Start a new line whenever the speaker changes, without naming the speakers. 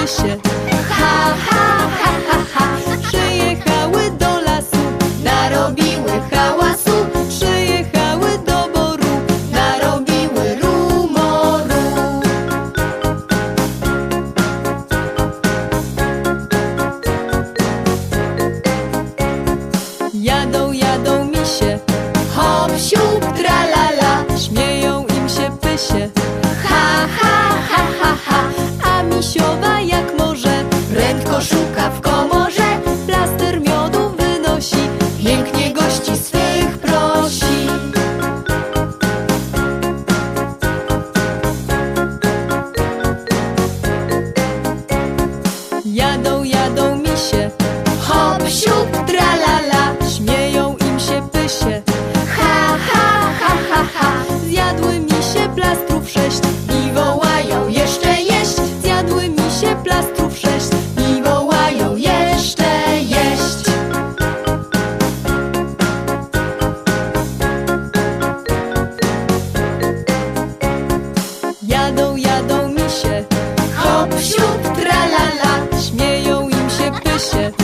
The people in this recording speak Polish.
lesie. Ha, ha, ha, ha, ha. Przyjechały do lasu, narobiły hałasu. Przyjechały do boru, narobiły rumoru. Jadą, jadą misie, hop, siup, tralala. Śmieją im się pysie. Ha, ha, ha, ha, ha. A misiowa jak może prędko szuka w komorze. Plaster miodu wynosi, pięknie gości swych prosi. Jadą, jadą misie, hop, siup, tralala. Śmieją im się pysie. Ha, ha, ha, ha, ha. Zjadły misie plastrów 6 i wołają jeszcze jeść. Zjadły misie plastrów 6 i wołają jeszcze jeść. Jadą, jadą misie, hop, siup, tralala. Śmieją im się pysie.